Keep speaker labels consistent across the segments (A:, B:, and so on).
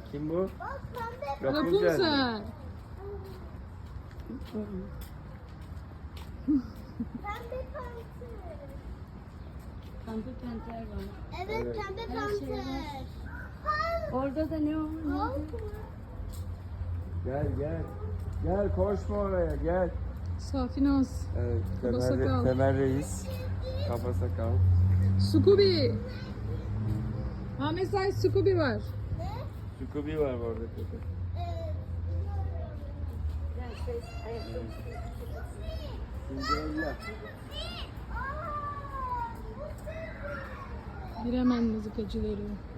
A: Kim bu?
B: Bak pembe.
A: Rapunzel.
C: Rapunzel.
B: Pembe panter.
D: Pembe panter var.
B: Evet,
A: Evet.
B: pembe
D: Her şey
B: panter.
D: var.
B: Hayır.
D: Orada da ne var?
B: Halk
D: Neydi?
B: mı?
A: Gel gel. Gel koşma oraya gel.
C: Safinaz.
A: Evet,
C: Kaba sakal.
A: Temel Reis. Kaba sakal.
C: Scooby. Ahmet Say Scooby var.
B: Ne?
A: Scooby var orada köpek.
B: Evet.
D: Ben ses ayakkabı.
A: Cinderella.
C: Biremen mızıkacıları.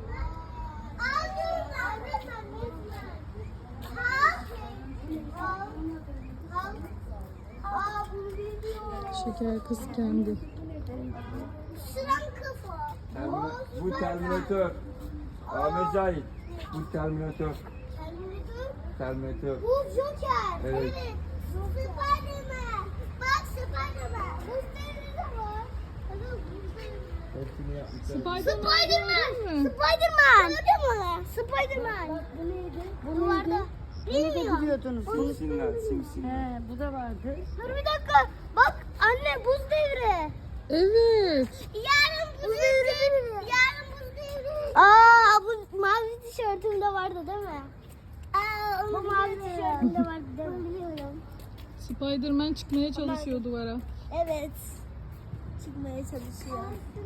C: Şeker kız kendi.
B: Sıran kafa.
A: Bu Terminator. Ahmet Zahit. Bu Terminator. Terminator.
B: Bu Joker.
A: Evet.
B: Spiderman. Bak Spiderman. Bu de var.
A: Hepsini yapmışlar.
B: Spiderman.
C: Gördün mü?
B: Spiderman. Gördün mü? Spiderman.
D: Bu neydi?
B: Bu vardı.
D: Bunu da
B: Bilmiyorum.
D: biliyordunuz.
A: Simsinler, simsinler.
D: He, bu da vardı.
B: Dur bir dakika. Bak anne buz devri.
C: Evet.
B: Yarın buz devri. Yarın buz devri. Aa bu mavi tişörtümde vardı değil mi? Aa bu mavi tişörtümde vardı değil mi? Biliyorum.
C: Spiderman çıkmaya çalışıyor duvara.
B: Evet. Çıkmaya çalışıyor.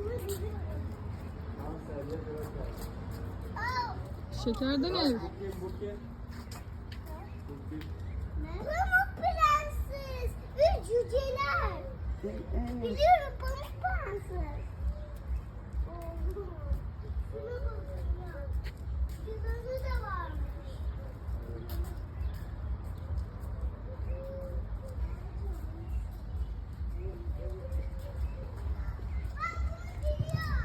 C: Şekerden ev.
A: Bu kim?
B: Pamuk Prenses ve cüceler. Biliyorum Pamuk Prenses. Şuna bakın ya. Yıldızı da varmış. Bak bu geliyor.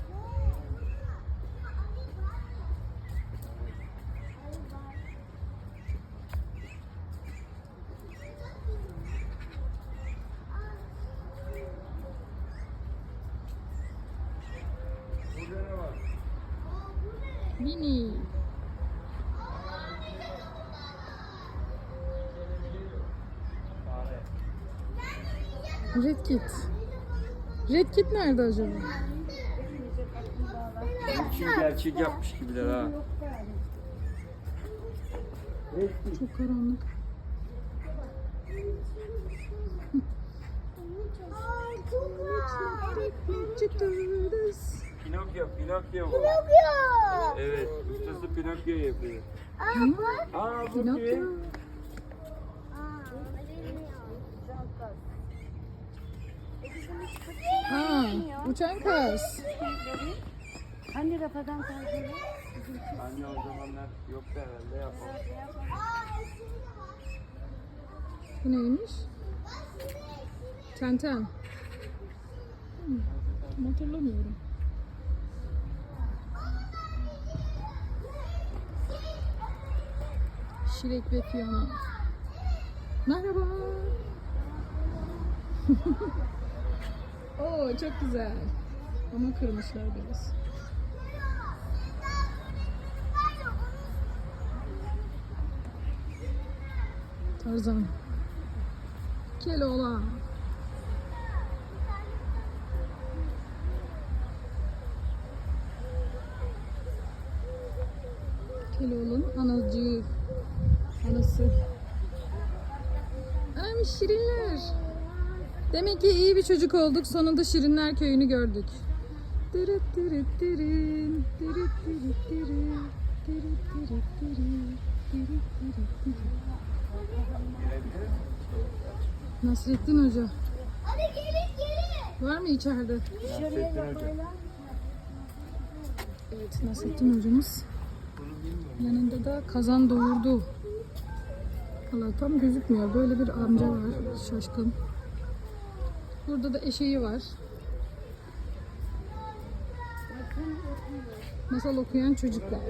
A: Burada ne var?
C: Mini.
A: Fare.
C: Red Kit. Red Kit nerede acaba?
A: Kim gerçek yapmış gibiler ha.
C: Çok karanlık.
B: Aa, çok güzel.
C: Çıkıyoruz.
A: Pinokyo, Pinokyo bu.
B: Pinokyo.
A: Evet, ustası Pinokyo yapıyor.
B: Aa bak.
A: Aa bu
C: Pinokyo.
A: kim?
C: Uçan kaz.
D: Hani rafadan kalkıyor?
A: Anne o zamanlar yoktu herhalde yapalım.
C: Bu neymiş? Tenten. Hatırlamıyorum. Şirek ve Fiona. Merhaba. Oo çok güzel. Ama kırmışlar biraz. Tarzan. Keloğlan. Keloğlan anacığı. Anası. Ay şirinler. Demek ki iyi bir çocuk olduk. Sonunda Şirinler Köyü'nü gördük. Dırıt dırıt dırın, dırıt dırıt dırın, dırıt dırıt dırın, dırıt dırıt dırın. Nasrettin Hoca.
B: Hadi gelin.
C: Var mı içeride?
A: Nasrettin Hoca.
C: Evet, Nasrettin Hocamız. Yanında da kazan doğurdu. Valla tam gözükmüyor. Böyle bir amca var. Şaşkın. Burada da eşeği var. Masal okuyan çocuklar.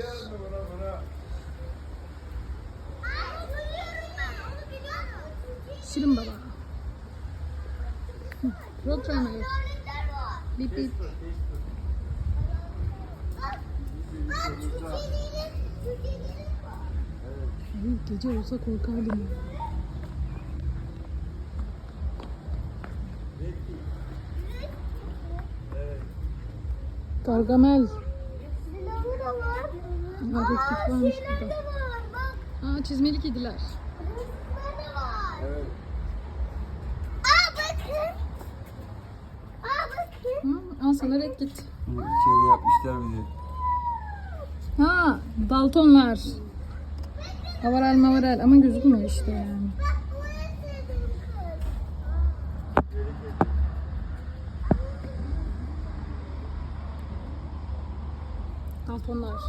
C: Şirin Baba. Roadrunner. Bip bip.
B: Bak cücelerin
C: Gece olsa korkardım. Gargamel.
B: Silahı da var.
C: Hareketlik varmış
B: Şeyler de
C: burada.
B: var. Bak.
C: Çizmeli kediler.
B: Hırsızlar da var.
A: Evet.
B: Bakın. Bakın.
C: Al sana red git.
A: İçeri yapmışlar bizi.
C: Daltonlar. Havaral mavaral ama gözükmüyor işte yani.
B: Bak bu en sevdiğim kız.
C: Daltonlar.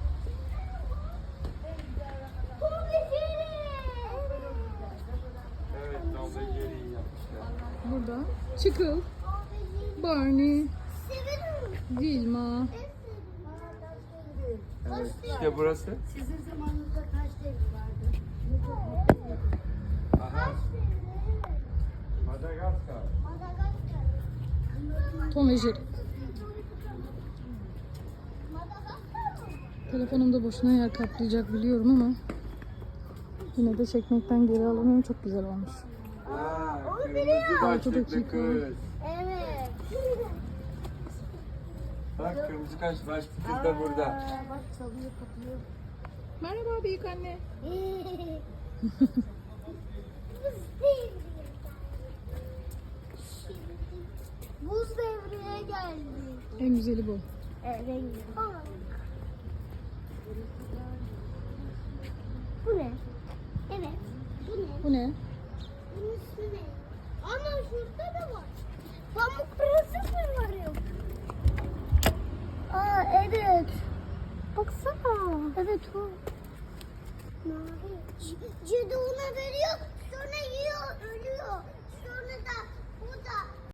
A: Evet, Tom ve Jerry'yi yapmışlar.
C: Burada Çıkıl, Barney,
B: Severim.
C: Vilma.
A: Evet, işte burası.
D: Sizin zamanınızda kaç devri vardı?
A: Aha. Madagaskar.
C: Tom ve Jerry. Telefonumda boşuna yer kaplayacak biliyorum ama yine de çekmekten geri alamıyorum. Çok güzel olmuş.
A: Kırmızı başlıklı
C: dakika.
A: kız.
B: Evet.
A: Bak kırmızı başlıklı kız da burada.
D: Bak çalıyor kapıyor.
C: Merhaba büyük anne.
B: Buz devreye geldi.
C: En güzeli bu.
B: Rengi. Bu ne? Evet. Bu ne?
C: Bu ne?
B: Bunun ismi ne? Ana şurada da var. Pamuk prenses mi var yok? Evet. Baksana. Evet o. Cadı ona veriyor. Sonra yiyor